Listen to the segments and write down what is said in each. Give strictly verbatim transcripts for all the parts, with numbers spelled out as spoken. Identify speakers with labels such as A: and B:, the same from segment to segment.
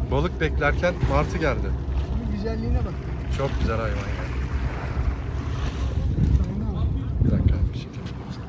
A: Balık beklerken martı geldi.
B: Bunun güzelliğine bak.
A: Çok güzel hayvan ya.
B: Aynen.
A: Bir dakika. Bir şey.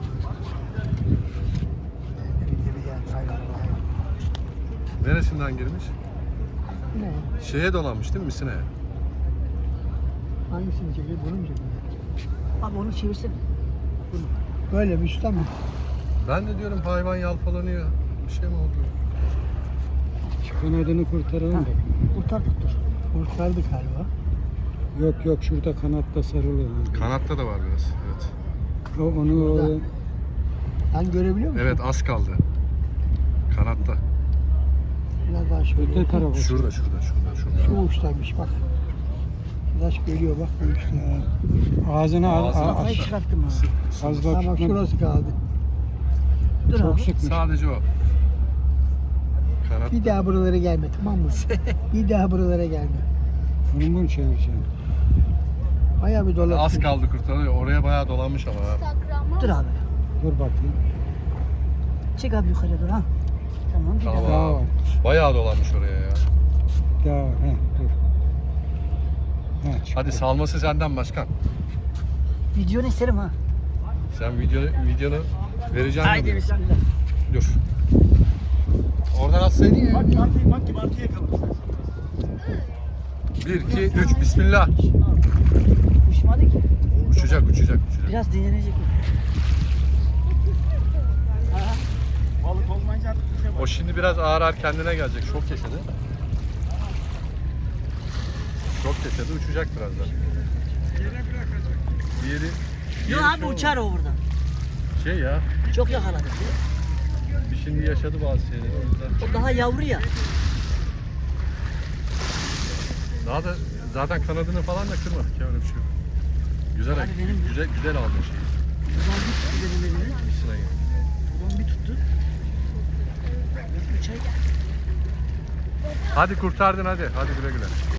B: Geri geldi hayvan hayvan.
A: Neresinden girmiş?
B: Ne?
A: Şeye dolanmış değil mi Misine'ye?
B: Hangisini çekiyor? Bunu mu çekiyor?
C: Abi onu çevirsin.
B: Bunu. Böyle mi üstten mi?
A: Ben de diyorum hayvan yalpalanıyor. Bir şey mi oldu?
D: Şu kanadını kurtaralım da.
C: Kurtardık dur.
B: Kurtardık galiba.
D: Yok yok şurada kanatta sarılı. ha.
A: Kanatta da var biraz. Evet.
D: O, onu o,
B: Burada. Sen görebiliyor musun?
A: Evet az kaldı. Kanatta.
B: Biraz daha şöyle.
D: öte tarafa.
A: Şurada şurada şurada şurada.
B: Şu uçtaymış bak. Biraz geliyor bak bu uçta.
D: Ağzına al,
A: Ağzına
D: al,
C: Kafayı
D: aç.
C: çıkarttım ha.
D: Az
B: Ha
D: bak
B: bak
D: tutma.
B: şurası kaldı.
C: Dur
D: Çok
C: abi.
D: sıkmış.
A: Sadece o. Kanat.
B: Bir daha buralara gelme tamam mı? Bir daha buralara gelme.
D: Bunu mu çevireceğim?
B: Bayağı bir dolaştı.
A: Az kaldı kurtarıyor. Oraya bayağı dolanmış ama. ha.
C: Dur abi.
D: Dur bakayım.
C: Çek abi yukarıya dur ha. Tamam bir
A: Tamam.
C: daha.
D: Daha var.
A: Bayağı dolanmış oraya ya.
D: Daha var. Heh, dur. Heh, çıktı.
A: Hadi salması senden başkan.
C: Videonu isterim ha.
A: Sen video, videonu vereceğim.
C: Haydi bismillah.
A: Dur. Oradan atsaydın ya.
E: Bak martıyı bak ki martıyı yakalamış.
A: Bir, iki, üç. Bismillah.
C: Uçmadı ki.
A: Uçacak, uçacak, uçacak.
C: Biraz dinlenecek mi? Ha.
E: Balık olmayınca artık bir şey var.
A: O şimdi biraz ağır ağır kendine gelecek. Şok yaşadı. Şok yaşadı. Uçacak birazdan. Bir yeri... bir
C: Yok
A: yeri
C: abi
A: şey
C: uçar
A: oldu.
C: o buradan.
A: Şey ya.
C: Çok yakaladık.
A: Bir şimdi yaşadı bazı şeyleri. O yüzden.
C: O daha yavru ya.
A: Daha da zaten kanadını falan da kırmadık ya. Öyle bir şey yok. Güzel,
C: Abi benim-
A: güzel, güzel aldın şeyi.
C: Buradan bir tuttu benim elimi.
A: Sırayı.
C: Buradan bir tuttu. Uçar.
A: Hadi kurtardın hadi. Hadi güle güle.